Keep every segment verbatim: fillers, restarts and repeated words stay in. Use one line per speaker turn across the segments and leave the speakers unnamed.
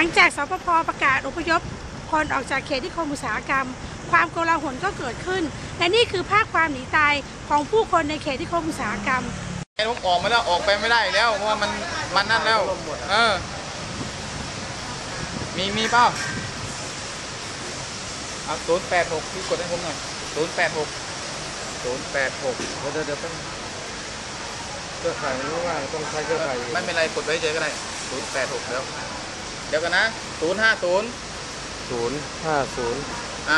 งจากสปภ.ประกาศอพยพคนออกจากเขตนิคมอุตสาหกรรมความโกลาหลก็เกิดขึ้นและนี่คือภาพความหนีตายของผู้คนในเขตนิคมอุตสาหกรรม
ไอ้พวกออกมาแล้วออกไปไม่ได้แล้วเพราะว่ามันมันนั่นแล้วเออมีมีเปล่าเอาศูนย์แปดหกพี่กดให้ผมหน่อยศูนย์แปดหกศูนย์แปดหก
เดี๋ยวเดี๋ยวต้องเครือข่ายมันรู้ว่าต้องใช้เครือข่าย
ไม่เป็นไรกดไว้เฉยก็ได้ศูนย์แปดหกแล้วเดี๋ยวกันนะศูนย์ห้าศูนย์
ศูนย์ห้าศูนย์
อ่า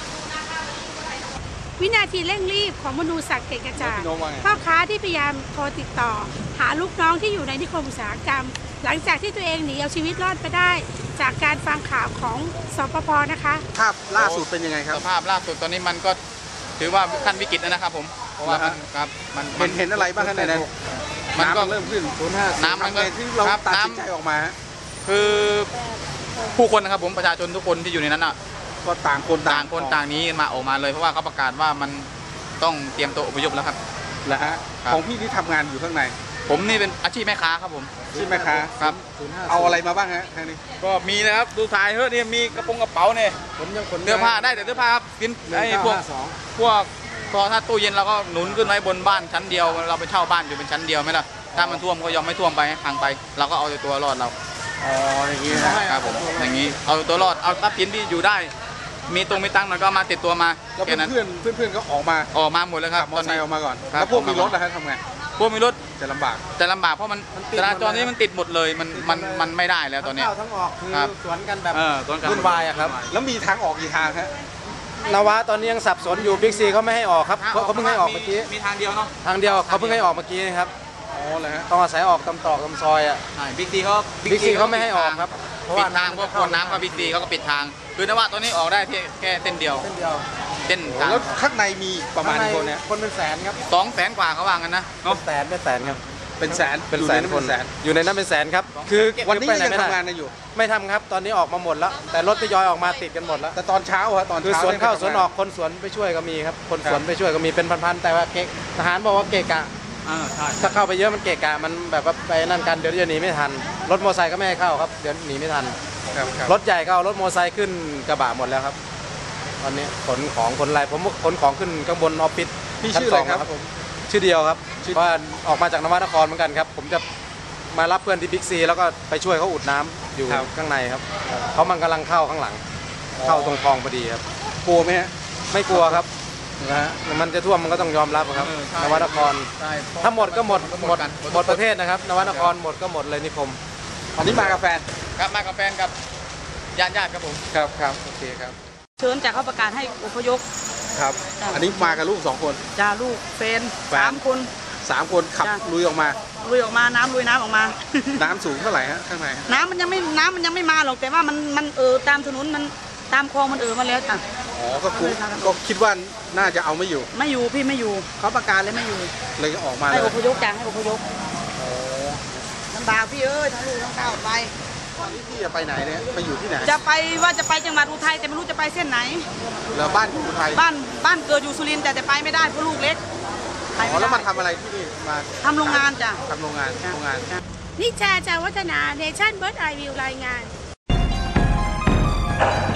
วินาทีเร่งรีบของมนูศักดิ์เกตกระจายพ่อค้าที่พยายามโทรติดต่อหาลูกน้องที่อยู่ในนิคมอุตสาหกรรมหลังจากที่ตัวเองหนีเอาชีวิตรอดไปได้จากการฟังข่าวของสปภ.นะคะ
ภาพล่าสุดเป็นยังไงครับ
สภาพล่าสุดตอนนี้มันก็ถือว่าขั้นวิกฤตแล้วนะครับผมเพราะว่ามันครับมัน
เห็นเห็นอะไรบ้างครับในนั้น
มันก็
เริ่มขึ้นศูนย์ห้า
น้ำมันก็
ที่เราตัดสินใจออกมา
คือผู้คนนะครับผมประชาชนทุกคนที่อยู่ในนั้นอ่ะ
ก็ต่างคน
ต่างคนต่างนี้มาออกมาเลยเพราะว่าเขาประกาศว่ามันต้องเตรียมตัวอพยพแล้วครับ
แล้วฮะของพี่ที่ทำงานอยู่ข้างใน
ผมนี่เป็นอาชีพแม่ค้าครับผม
อาชีพแม่ค้า
ครับ
เอาอะไรมาบ้างฮะทางนี้
ก็มีนะครับดูถ่ายเฮ้ยนี่มีกระโปรงกระเป๋าเนี่ย
ผมยังขน
เสื้อผ้าได้แต่เสื้อผ้าครับกินไอ้พวกพวกพอถ้าตู้เย็นเราก็หนุนขึ้นไว้บนบ้านชั้นเดียวเราไปเช่าบ้านอยู่เป็นชั้นเดียวไหมล่ะถ้ามันท่วมก็ยอมไม่ท่วมไปพังไปเราก็เอาตัวรอดเรา
อ๋ออย่างนี้นะครับ
ผมอย่างนี้เอาตัวรอดเอาทรัพย์สินที่อยู่ได้มีตรงมีตังค์หน่อยก็มาติดตัวมา
แล้วเพื่อนเพื่อนเพื่อนก็ออกมา
ออกมาหมดแล้วครับ
มอเตอร์ไซค์ออกมาก่อนแล้วพวกมีรถนะครับทำไง
พวกมีรถ
จะลำบาก
จะลำบากเพราะมันจราจรนี้มันติดหมดเลยมันมันมันไม่ได้แล้วตอนนี้
ทั้งออกคือสวนกันแบบ
วุ่นวายอะครับ
แล้วมีทางออกกี่ทางฮะ
นวะตอนนี้ยังสับสนอยู่บิ๊กซีเขาไม่ให้ออกครับเขาเพิ่งให้ออกเมื่อกี้
มีทางเดียวเนาะ
ทางเดียวเขาเพิ่งให้ออกเมื่อกี้นะครับ
อ๋อเลยฮะ
ต้องอาศัยออกตำตอกตำซอยอ่ะ
ใช่บิ๊กซีเขา
บิ๊กซีเขาไม่ให้ออกครับ
ปิดทางพวกคนน้ำกับบิ๊กซีเขาก็ปิดทางคือนวะตอนนี้ออกได้แค่เส้นเดียว
เส้นเดียว
เส้นทาง
แล้วข้างในมีประมาณคนเนี่ย
คนเป็นแสนครับ
สองแสนกว่าเขาว่ากันนะ
เป็นแสนเป็นแสนครับ
เป็นแสน
เป็นแสนคนอยู่ในนั้นเป็นแสนครับคือ
วันนี้ยังทำงานอยู่
ไม่ทำครับตอนนี้ออกมาหมดแล้วแต่รถทยอยออกมาติดกันหมดแล้ว
แต่ตอนเช้าฮะตอน
คือสวนเข้าสวนออกคนสวนไปช่วยก็มีครับคนสวนไปช่วยก็มีเป็นพันๆแต่ว่าเกะทหารบอกว่าเกะกะถ้าเข้าไปเยอะมันเกะกะมันแบบว่าไปนั่นกันเดี๋ยวจะหนีไม่ทันรถมอเตอร์ไซค์ก็ไม่ให้เข้าครับเดี๋ยวหนีไม่ทันรถใหญ่ก็เอารถมอเตอร์ไซค์ขึ้นกระบะหมดแล้วครับตอนนี้ขนของขนอะไรผมขนของขึ้นข้างบนออฟฟิศ
พี่ชื่ออะไรครับผม
ชื่อเดียวครับว่าออกมาจากนวนครเหมือนกันครับผมจะมารับเพื่อนที่บิ๊กซีแล้วก็ไปช่วยเขาอุดน้ำอยู่ข้างในครับเขามันกำลังเข้าข้างหลังเข้าตรงคลองพอดีครับ
กลัวไหมฮะ
ไม่กลัวครับนะฮะมันจะท่วมมันก็ต้องยอมรับครับนวนครถ้าหมดก็หมดหมดหมดประเทศนะครับนวนครหมดก็หมดเลยนิคม
อันนี้มากับแฟน
ครับมากับแฟนกับญาติญาติครับผม
ครับครับโอเคครับ
เชิญจากเขาประกาศให้อพยพ
ครับอันนี้มากับลูกสองคน
จ้าลูกแฟนสามคน
สามคนขับลุยออกมา
ลุยออกมาน้ำลุยน้ำออกมา
น้ำสูงเท่าไหร่ฮะข้างใน
น้ำมันยังไม่น้ำมันยังไม่มาหรอกแต่ว่ามันมันเออตามถนนมันตามคลองมันเออมาแล้วจ้ะ
อ๋อก็คุก็คิดว่าน่าจะเอาไม่อยู่
ไม่อยู่พี่ไม่อยู่เขาประกาศเลยไม่อยู่
เลยออกมา
ให้อพยพจ้าให้อพยพลำบากพี่เอ้ยทั้งลูกทั้งเต้าไป
ตอนนี้พี่จะไปไหนเนี่ยไปอยู่ที่ไหน
จะไปว่าจะไปจังหวัดอุทัยแต่ไม่รู้จะไปเส้นไหน
แล้วบ้านอยู่อุทัย
บ้านบ้านเกิดอยู่สุรินทร์แต่แต่ไปไม่ได้เพราะลูกเล็ก
อ๋อแล้วมาทำอะไรที่นี่มา
ทำโรงงานจ้ะ
ทำโรงงานโรงงาน
นิชาจาวัฒนาเนชั่นเบิร์ดไอวิวรายงาน